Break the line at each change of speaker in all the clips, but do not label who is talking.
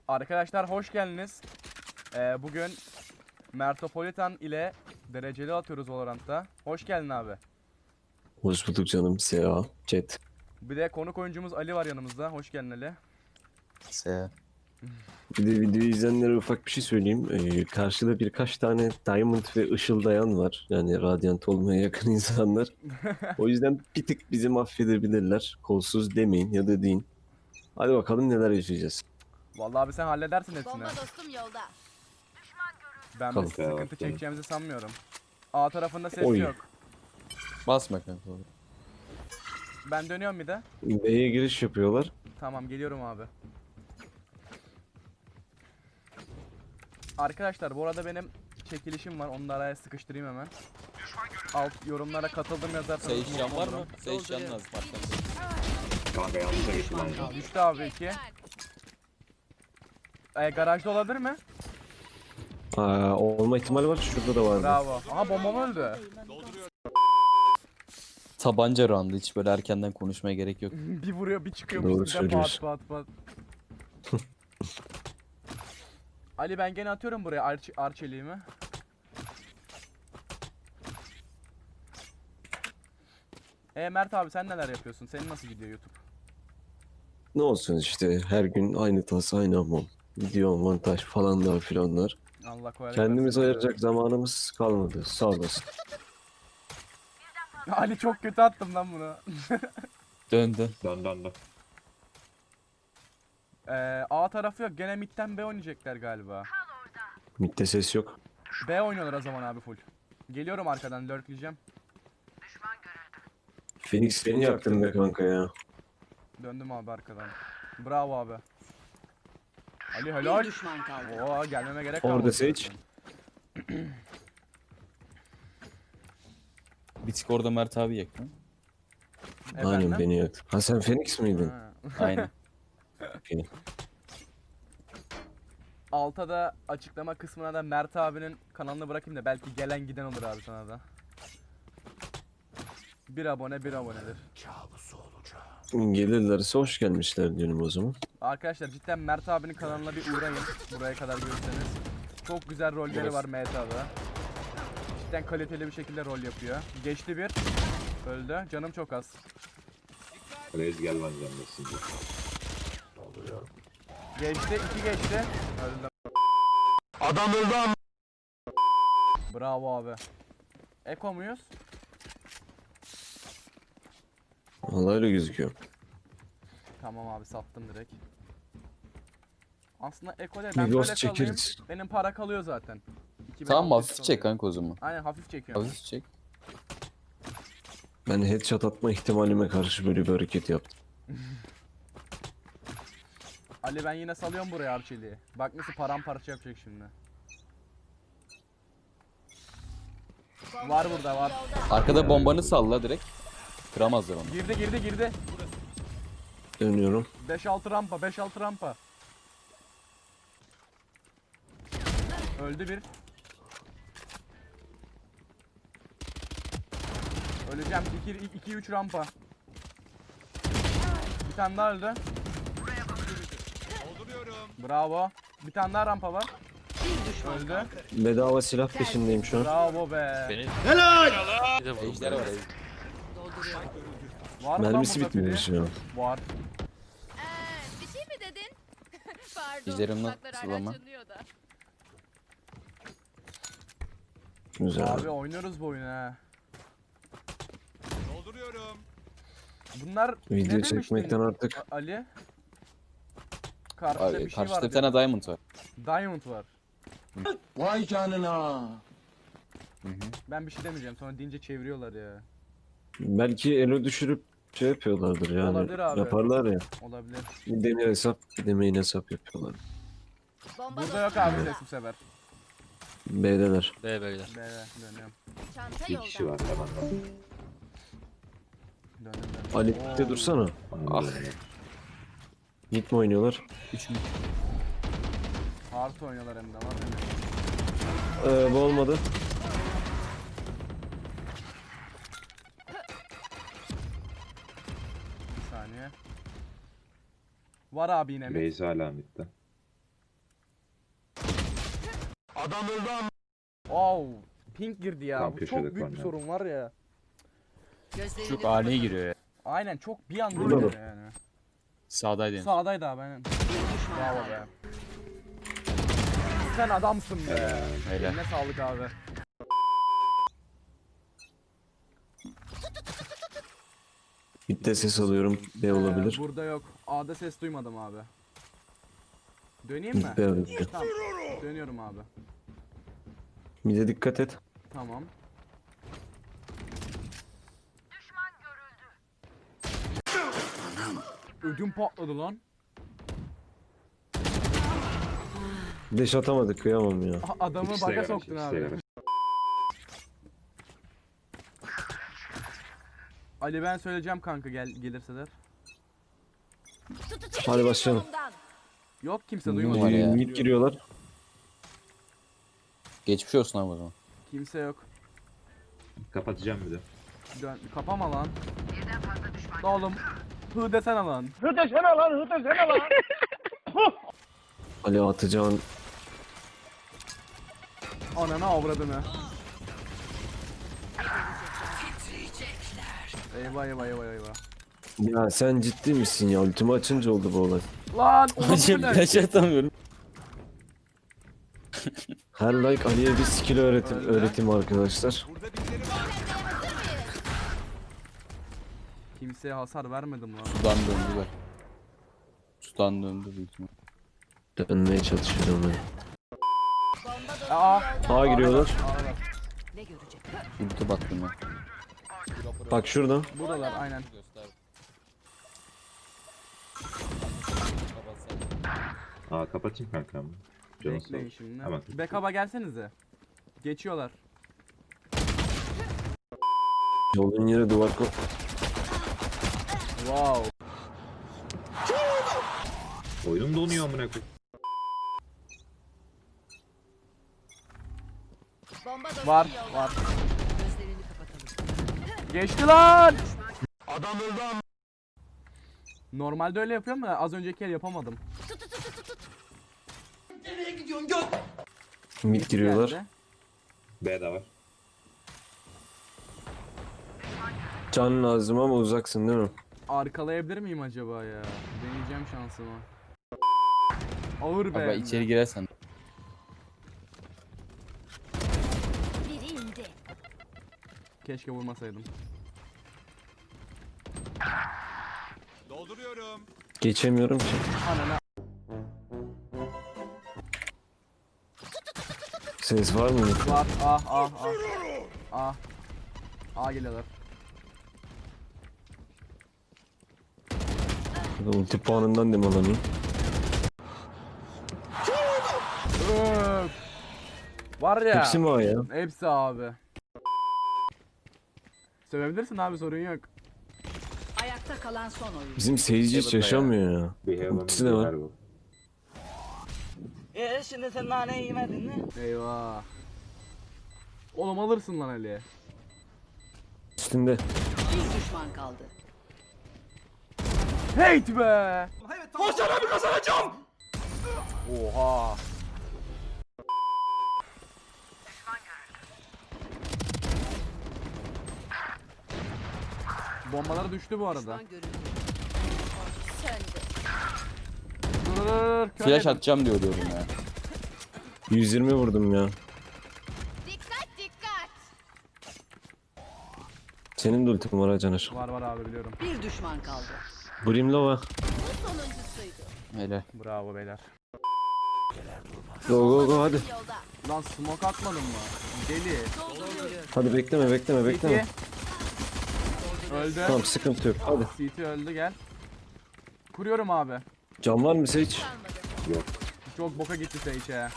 Arkadaşlar hoş geldiniz. Bugün Mertopolitan ile dereceli atıyoruz Valorant'ta. Hoş geldin abi.
Hoş bulduk canım. Seha. Chat.
Bir de konuk oyuncumuz Ali var yanımızda. Hoş geldin Ali.
Se.
Bir de videoyu izleyenlere ufak bir şey söyleyeyim. Karşıda birkaç tane Diamond ve ışıldayan var. Yani Radiant olmaya yakın insanlar. O yüzden bir tık bizi mahvedebilirler. Kolsuz demeyin ya da deyin. Hadi bakalım neler yaşayacağız.
Vallahi abi sen halledersin hepsini.
Bomba dostum yolda.
Ben bir
Bakalım.
sıkıntı çekeceğimizi sanmıyorum. A tarafında ses
Oy.
yok.
Basma kanka.
Ben dönüyorum bir de.
B'ye giriş yapıyorlar.
Tamam geliyorum abi. Arkadaşlar bu arada benim çekilişim var. Onu da araya sıkıştırayım hemen. Alt yorumlara katıldım yazarsanız.
Seyşan var mı?
olurum.
Seyşan lazım arkamda.
Kanka yanlışa geçtim ben.
Düştü abi 2. Garajda olabilir mi?
Olma ihtimali var. Şurada da vardı.
Bravo. Aha bombam öldü.
Tabanca roundu, hiç böyle erkenden konuşmaya gerek yok.
Bir vuruyor bir çıkıyormuş.
Doğru
Bir de pat
söylüyorsun.
pat pat. Ali ben gene atıyorum buraya arçeliğimi. Mert abi sen neler yapıyorsun? Senin nasıl gidiyor YouTube?
Ne olsun işte her gün aynı tas aynı hamam. Video montaj falanlar filanlar.
Allah kolaylık
Kendimiz
versin.
ayıracak zamanımız kalmadı. Sağ olasın.
Ali çok kötü attım lan bunu.
Döndü.
Dön.
A tarafı yok. Gene midden B oynayacaklar galiba.
Mid'de ses yok.
B oynuyorlar o zaman abi full. Geliyorum arkadan lurkleyeceğim.
Phoenix beni yaktın be kanka ya.
Döndüm abi arkadan. Bravo abi. Ali helal.
Bir düşman kaldı.
Oo gelmeme gerek
Orada
kalmadı
Sage.
zaten.
Bir tık orada Mert abi yakın.
Aynen
Efendim?
beni yaktı. Ha sen Phoenix miydin?
Ha.
Aynen.
Okey.
Alta da açıklama kısmına da Mert abinin kanalını bırakayım da belki gelen giden olur abi sana da. Bir abone bir abonedir.
Gelirlerse hoş gelmişler diyorum o zaman.
Arkadaşlar cidden Mert abinin kanalına bir uğrayın. Buraya kadar görürseniz. Çok güzel rolleri var MTA'da. Cidden kaliteli bir şekilde rol yapıyor. Geçti bir. Öldü. Canım çok az.
Reis gel lan canlısın.
Geçti. 2 geçti. Öldü. Adam öldü ama. Bravo abi. Eko muyuz?
Vallahi öyle gözüküyor.
Tamam abi sattım direkt. Aslında Eko değil ben
Bir
böyle
ghost
kalayım.
çekeriz.
Benim para kalıyor zaten. 2600
Tamam, hafif
kalıyor.
çek kanka o zaman.
Aynen hafif çekiyorum.
Hafif çek.
Ben headshot atma ihtimalime karşı böyle bir hareket yaptım.
Ali ben yine salıyorum buraya Arçeli'yi. Bak nasıl paramparça yapacak şimdi. Var burada var.
Arkada bombanı salla direkt. Kıramazlar onu.
Girdi.
Dönüyorum.
5-6 rampa 5-6 rampa. Öldü bir. Öleceğim 2-3 rampa. Bir tane daha öldü. Bravo. Bir tane daha rampa var. Öldü.
Bedava silah peşindeyim şu an.
Bravo be.
Ejder var.
Var mı lan
Mermisi
burada
bitmemiş
biri?
ya.
Var.
Bir şey mi dedin? Pardon.
Ejderim
kulaklar hala
nasıl ama?
çınlıyor da.
Güzel.
Abi oynuyoruz bu oyunu ha. Bunlar ne
Video
demiştin
çekmekten artık
Ali? Karşıda
Abi,
bir şey
karşıda
var.
bir tane diamond var.
Diamond var.
Vay canına.
Hı hı.
Ben bir şey demeyeceğim. Sonra deyince çeviriyorlar ya.
belki elo düşürüp şey yapıyorlardır yani.
Olabilir abi.
Yaparlar ya.
Olabilir.
Bir demir hesap, bir de main hesap yapıyorlar.
Bomba
Burada yok
dostum
abi
yolda.
ses bu sefer.
B'deler.
Böyle dönüyorum.
Çanta
Bir
yolda.
kişi var hemen.
Döndüm.
Ali
Oo.
de dursana.
Ah.
Mid mi oynuyorlar?
3 mü?
Hard oynuyorlar hem de lan.
Bu olmadı.
Bir saniye. Var abi yine mi?
Reis hala midde.
Oh, pink girdi ya.
Tam
Bu
köşede
çok büyük bir
kaldı.
sorun var ya.
Gözlerini
Çok ani giriyor ya.
Aynen çok bir anda
Burada
giriyor
mı?
yani.
Sağdaydı.
Sağdaydı abi aynen. Bravo be. Sen adamsın be.
Helal.
Eline sağlık abi.
Mid'de ses alıyorum. B olabilir.
Burada yok. A'da ses duymadım abi. Döneyim mi?
Mid B olabilir.
Tamam. Dönüyorum abi.
Mid'e dikkat et.
Tamam. Ödüm patladı lan.
Deş atamadık, kıyamam ya.
Adamı
İkisi de
baga
garaj,
soktun
ikisi de
abi.
garaj.
Ali ben söyleyeceğim kanka gelirseler.
Hadi başlayalım.
yolumdan.
Yok kimse
Ne
duymadı.
var ya?
Mid giriyorlar.
Geçmiş olsun abi o zaman.
Kimse yok.
Kapatacağım bir de.
Kapama lan. Oğlum. Hı desene lan.
Ali atacağın
Ananı avradını. Eyvah eyvah eyvah eyvah.
ya sen ciddi misin ya? Ultimi açınca oldu bu olay.
Lan oğlum
Hacım
bu ne?
flash atamıyorum.
Her like Ali'ye bir skill
Öyle.
öğretim arkadaşlar.
Kimseye hasar vermedim lan.
Sudan döndüler. Sudan döndü büyük ihtimal.
Dönmeye çalışıyorum ben.
Bomba dostum
Aa.
yolda.
A giriyorlar.
A'dalar.
Ne görecek?
Ulti baktım ya.
Bak şurada.
Buradalar aynen.
Aa kapatayım kankam. Canı sağ
Bekleyin
olsun.
şimdi.
Hemen.
Backup'a gelsenize. Geçiyorlar.
Yolun yeri duvar
Wow.
Oyunum donuyor amına koyayım.
Bomba dostum
Var
yolda.
var.
Gözlerini kapatalım.
Geçti lan. Normalde öyle yapıyorum da az önceki el yapamadım.
mid giriyorlar.
Geldi.
B de var.
Can lazım ama uzaksın değil mi?
Arkalayabilir miyim acaba ya? Deneyeceğim şansımı. Ağır be.
Abi
hem de.
içeri girersen.
Biri indi.
Keşke vurmasaydım.
Geçemiyorum ki.
Ananı.
Ses var mı?
Var. Ah. A geliyorlar.
Ulti puanından demalanayım.
Öf. Var ya.
Hepsi mi A ya?
Hepsi abi. Sevebilirsin abi sorun yok.
Ayakta kalan son oyun.
Bizim seyirci hiç yaşamıyor ya.
Bir heaven,
Ultisi de
bir
var.
heaven.
Şimdi sen naneyi yemedin mi?
Eyvah. Oğlum alırsın lan Ali.
Üstünde.
Bir düşman kaldı.
Hate be. Oha. Bombalar düştü bu arada.
Düşman görüldü. Söndü.
Dur, kör
Flash
yedim.
atacağım diyorum ya.
120 vurdum ya.
Dikkat dikkat.
Senin de ultin var ha Caner.
Var var abi biliyorum.
Bir düşman kaldı.
Brimlova.
Bu sonuncusuydu.
Helal.
Bravo beyler.
Go go go hadi.
Yolda.
Lan smoke atmadın mı? Deli.
Dolduruyorum.
Hadi bekleme
CT. Öldü.
Tamam sıkıntı yok hadi.
CT öldü gel. Kuruyorum abi.
Can var mı Sage?
Kalmadı.
Çok boka gitti Sage.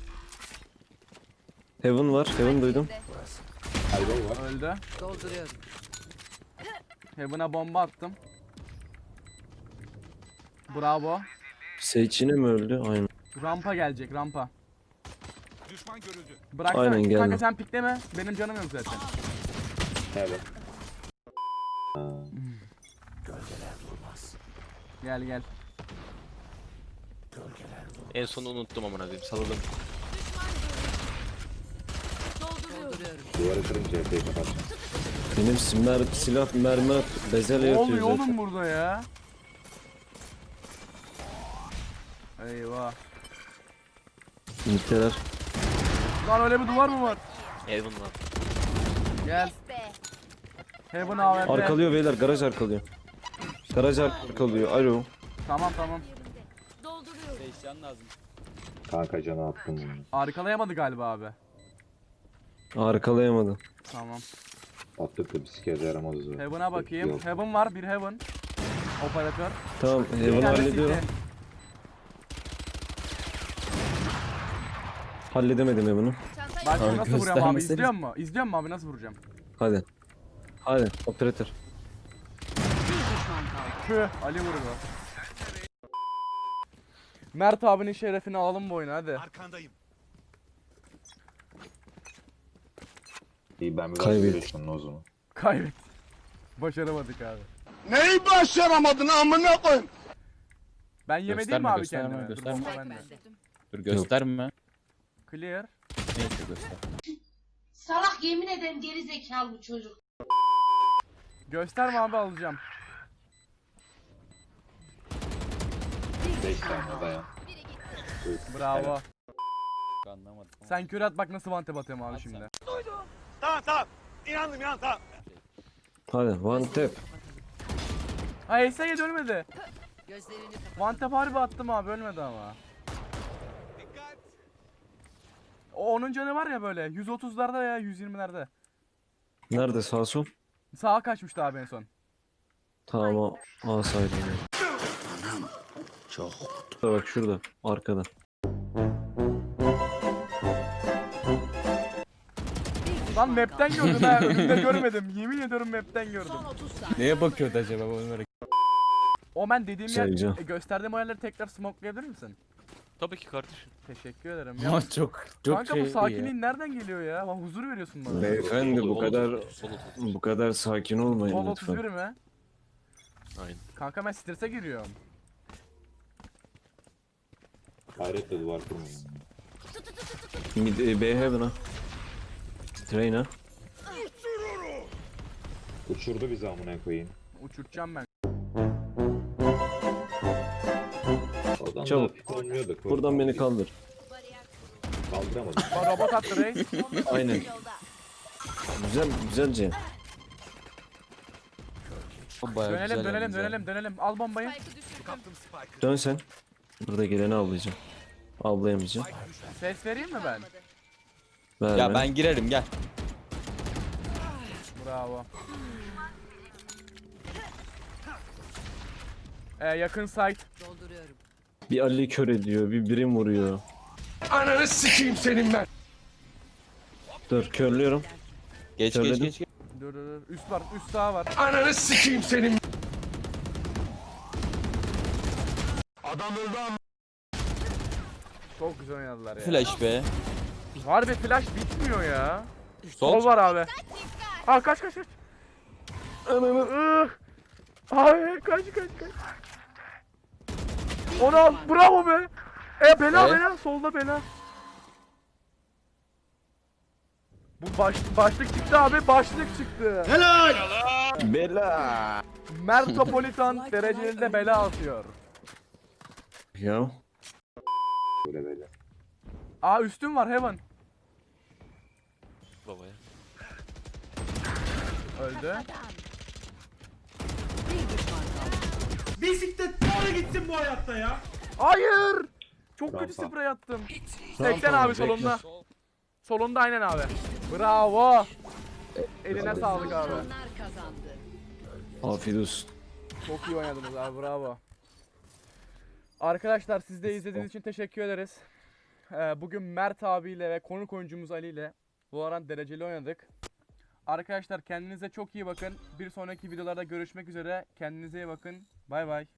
Heaven var. Heaven duydum.
Elbow var.
Öldü.
Dolduruyorum.
Heaven'a bomba attım. Bravo.
Sage yine mi öldü? Aynen.
Rampa gelecek rampa. Düşman görüldü. Bıraksana.
Aynen, geldi.
Kanka sen pikleme. Benim canım yok zaten.
Heaven.
Gel gel.
En sonu unuttum amına koyayım. Salladım.
Dolduruyorum.
Duvarı kırınca epey kapatacağım.
Benim silah mermi bezelye
Ne
yatıyor
oluyor
zaten.
oğlum burada ya? Eyvah.
Niteler.
Lan öyle bir duvar mı var?
Heaven var.
Gel. Heaven AWP.
Arkalıyor beyler, garaj arkalıyor. Garaj arkalıyor. Alo.
Tamam tamam.
Dolduruyorum.
5 can lazım.
Kanka canı attım bunu.
Arkalayamadı galiba abi.
Arkalayamadı.
Tamam.
Attık da bir sikede yaramaz o.
Heaven'a bakayım.
Yok.
Heaven var, bir Heaven. Operatör.
Tamam,
Bir
Heaven'ı
tane
hallediyorum.
City.
Halledemedim Heaven'ı.
Bak
Abi
nasıl vuruyorum abi,
göstermeseniz-
izliyor musun? İzliyor musun abi, nasıl vuracağım?
Hadi. Hadi operatör.
Bir düşman kaldı.
Tüh, Ali vurdu. Mert abinin şerefini alalım bu oyunu hadi.
İyi ben biraz
Kaybettik.
uğraştım o zaman.
Kaybet. Başaramadık abi.
Neyi başaramadın amına koyayım?
Ben yemediğim
Gösterme,
mi abi
gösterme,
kendime? Dur,
gösterme.
bomba bende.
Dur gösterme.
Clear.
Neyse göster.
Salak yemin ederim geri zekalı bu çocuk.
Gösterme abi, alacağım.
5 tane dayan.
Bravo.
Anlamadım.
Sen kür at bak nasıl vante batıyorum abi şimdi.
Hadi one tap.
Ha Ese'ye dönmedi.
Gözlerini kapat.
One tap harbi attım abi, ölmedi ama. O onun canı var ya böyle 130'larda ya 120'lerde.
Nerede, sağ sol?
Sağa kaçmıştı abi en son.
Tamam, A saydım.
Çok.
Bak şurada, arkada.
Lan map'ten gördüm ha, önümde görmedim. Yemin ediyorum map'ten gördüm.
Son 30 saniye.
Neye bakıyordu acaba bu Ömer'e?
O ben dediğim yer,
Sayacağım.
gösterdiğim o yerleri tekrar smokelayabilir misin?
Tabii ki kardeşim.
Teşekkür ederim. Ya,
Ama çok
kanka bu
şey
sakinliğin nereden geliyor ya? Bak, huzur veriyorsun bana.
Beyefendi
Sol-
bu
sol-
kadar
sol- sol-
bu kadar sakin olmayın
Sol
lütfen.
31 mi?
Aynen.
Kanka ben strese giriyorum.
Hayretle duvar kurmayın.
B Heaven'a. Train'a.
Uçurdu bizi amına koyayım.
Uçurtacağım ben.
Oradan
Çabuk.
da pik olmuyordu.
Buradan beni kaldır.
Kaldıramadım.
Bak robot attı reis.
Aynen. Güzel, güzelce.
bayağı
Dönelim
güzel
dönelim
yalnız ya.
dönelim. Al bombayı.
Dön sen. Burada geleni avlayacağım. Avlayamayacağım.
Ses vereyim mi ben?
Verme.
Ya ben girerim gel.
Bravo. Yakın site.
Dolduruyorum.
Bir Ali kör ediyor, bir birim vuruyor.
Ananı sikeyim senin ben.
Dur, körlüyorum.
Geç
Söyledim.
geç geç.
Dur. Üst var, üst sağ var.
Ananı sikeyim senin. Adam öldü ama.
Çok güzel oynadılar ya.
Flash be.
Harbi flash bitmiyor ya.
Sol.
Sol var abi. Aa kaç. Ananı. Abi kaç. Onu al. Bravo be. Bela. Solda bela. Bu başlık çıktı abi. Başlık çıktı.
Bela.
Mertopolitan dereceli bela atıyor.
Ya.
Böyle.
Aa üstün var Heaven.
Babaya.
Öldü.
Bir düşman kaldı.
Bisiklet doğru gitsin bu hayatta ya.
Hayır. Çok kötü
Rampa.
sprey attım. 80 abi solunda. Solunda aynen abi. Bravo. Eline sağlık abi.
Onlar kazandı.
Afiyet olsun.
Çok iyi oynadınız abi, bravo. Arkadaşlar siz de izlediğiniz için teşekkür ederiz. Bugün Mert abiyle ve konuk oyuncumuz Ali ile Valorant dereceli oynadık. Arkadaşlar kendinize çok iyi bakın. Bir sonraki videolarda görüşmek üzere. Kendinize iyi bakın. Bay bay.